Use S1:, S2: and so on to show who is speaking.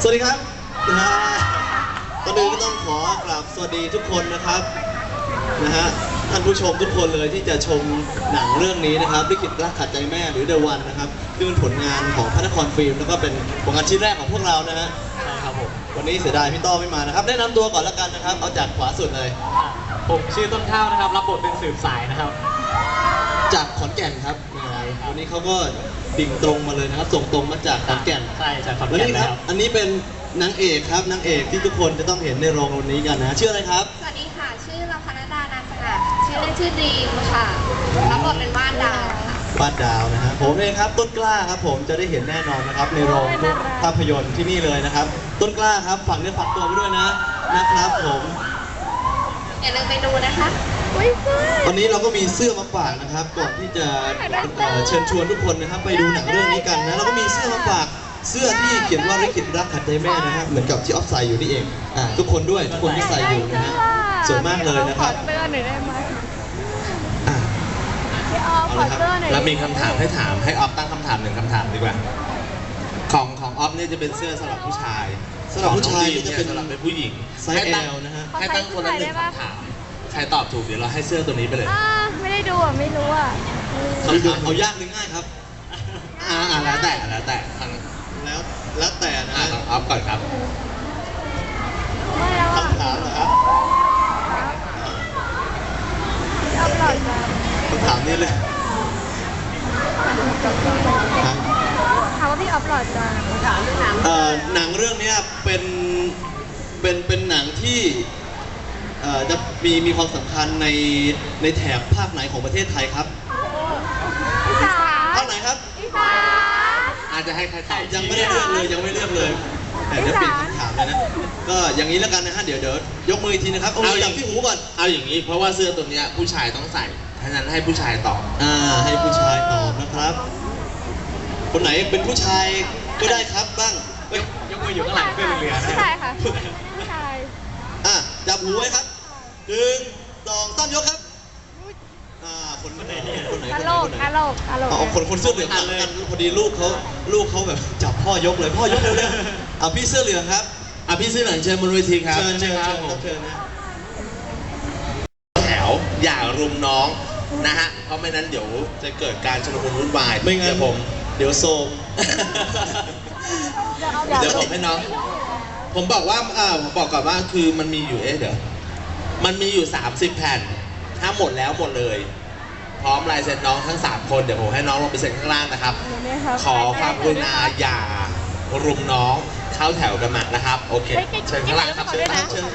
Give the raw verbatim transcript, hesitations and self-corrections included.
S1: สวัสดีครับนะฮะตอนนี้ก็ต้องขอกราบสวัสดีทุกคนนะครับนะฮะท่านผู้ชมทุกคนเลยที่จะชมหนังเรื่องนี้นะครับลิขิตรักขัดใจแม่หรือ The One นะครับที่เป็นผลงานของพระนครฟิล์มแล้วก็เป็นผลงานชิ้นแรกของพวกเรานะฮะ
S2: ใช่ครับผม
S1: วันนี้เสียดายพี่ต้อไม่มานะครับแนะนำตัวก่อนแล้วกันนะครับเอาจากขวาสุดเลย
S2: ผมชื่อต้นข้าวนะครับรับบทเป็นสืบสายนะครับ
S1: จากขอนแก่นครับวันนี้เขาก็ดิ่งตรงมาเลยนะครับส่งตรงมาจากขอนแก่น
S2: ใช่จากขอน
S1: แล้
S2: แก่
S1: วนนี่ครับอันนี้เป็นนางเอกครับนางเอกที่ทุกคนจะต้องเห็นในโรงวันนี้กันนะชื่ออะไรครับ
S3: สวัสดีค่ะชื่อลพนดานาสงัดชื่อเล่นชื่อดีมค่ะรับบทเป็นบ้านดาวค่ะ
S1: บ้านดาวนะฮะผมเองครับต้นกล้าครับผมจะได้เห็นแน่นอนนะครับในโรงภาพยนตร์ที่นี่เลยนะครับต้นกล้าครับฝากเนื้อฝากตัวไปด้วยนะนะครับผม
S3: อย่าลืมไปดูนะคะ
S1: ตอนนี้เราก็มีเสื้อมาฝากนะครับก่อนที่จะเชิญชวนทุกคนนะครับไปดูหนังเรื่องนี้กันนะเราก็มีเสื้อมาฝากเสื้อที่เขียนว่าลิขิตรักขัดใจแม่นะครับเหมือนกับที่ออฟใส่อยู่นี่เองอ่าทุกคนด้วยทุกคนที่ใส่อยู่นะฮะสวยมากเลยนะครับ
S4: ขอเสื้อหน่อยได้ไหม
S1: อ่า
S4: พี่ออฟขอเสื้อหน่อย
S5: แล้วมีคำถามให้ถามให้ออฟตั้งคำถามหนึ่งคำถามดีกว่าของของออฟเนี่ยจะเป็นเสื้อสำหรับผู้ชาย
S1: สำหรับผู้ชาย
S5: นี่จะเป็นสำหรับเป็นผู้หญิง
S1: ไซส์ L นะฮะ
S5: ให้ตั้งคนละหนึ่งคำถามใครตอบถูกเดี๋ยวเราให้เสื้อตัวนี้ไปเลย
S4: อ่าไม่ได้ดูอ่ะไม่รู้อ่ะ
S1: เอาเอายากหรือง่ายครับ
S5: อ่าอ่าแล้วแต่แล้วแต่ทาง
S1: แล้วแล้วแต่นะ
S5: อ่าของออฟก่อนครับ
S4: ไม่แล้วอ่ะ
S1: คำถามเหรอครับ
S4: พี่ออฟหลอดมา
S1: คำถามนี้เลย
S4: ถามว่าพี่ออฟหลอดมาถามเรื่องหนัง
S1: เอ่อหนังเรื่องนี้เป็นเป็นเป็นหนังที่เอ่อจะมีมีความสำคัญในในแถบภาคไหนของประเทศไทยครับ
S4: อีสาน
S1: ภาคไหนครับ
S4: อีสาน
S5: อาจจะให้ใครตอบ
S1: ยังไม่ได้เลือกเลยยังไม่เลือกเลยแต่เดี๋ยวเปลี่ยนคำถามเลยนะก็อย่างนี้แล้วกันนะฮะเดี๋ยวเดี๋ยวยกมืออีกทีนะครับเอาจับที่หูก่อน
S5: เอาอย่างนี้เพราะว่าเสื้อตัวเนี้ยผู้ชายต้องใส่ฉะนั้นให้ผู้ชายตอบ
S1: อ่าให้ผู้ชายตอบนะครับ คนไหนเป็นผู้ชายก็ได้ครับบ้างเฮ้ย
S2: ยกมืออยู่ข้างหลังเพื่อนเรือ
S4: ผู้ชายค่ะผู้ชาย
S1: อ่ะจับหูไว้ครับหนึ่งสองสามยกครับอ่าคนไหนคนไหน
S4: กะ
S1: คน
S4: โหล
S1: ไหน
S4: กกะโหลกกะโหลก
S1: เอาคนคนเสื้อเหลืองกันกันพอดีลูกเขาลูกเขาแบบจับพ่อยกเลยพ่อยกเร็วๆเอาพี่เสื้อเหลืองครับ
S5: อ่ะพี่เสื้อเหลืองเชิญบนเวทีครับ
S1: เชิญเชิญเชิญครับเชิญนะ
S5: แถวอย่ารุมน้องนะฮะเพราะไม่นั้นเดี๋ยวจะเกิดการชุลมุนวุ่นวาย
S1: ไม่งั้นผมเดี๋ยวโซม
S5: เดี๋ยวผมให้น้องผมบอกว่าอ่าผมบอกก่อนว่าคือมันมีอยู่เอ๊ะเดี๋ยวมันมีอยู่สามสิบแผ่นถ้าหมดแล้วหมดเลยพร้อมลายเซ็นน้องทั้งสามคนเดี๋ยวผมให้น้องลงไปเซ็นข้างล่างนะครับขอความกรุณาอย่ารุมน้องเข้าแถวกันมานะครับโอเคเชิญข้างล่างครับเชิญ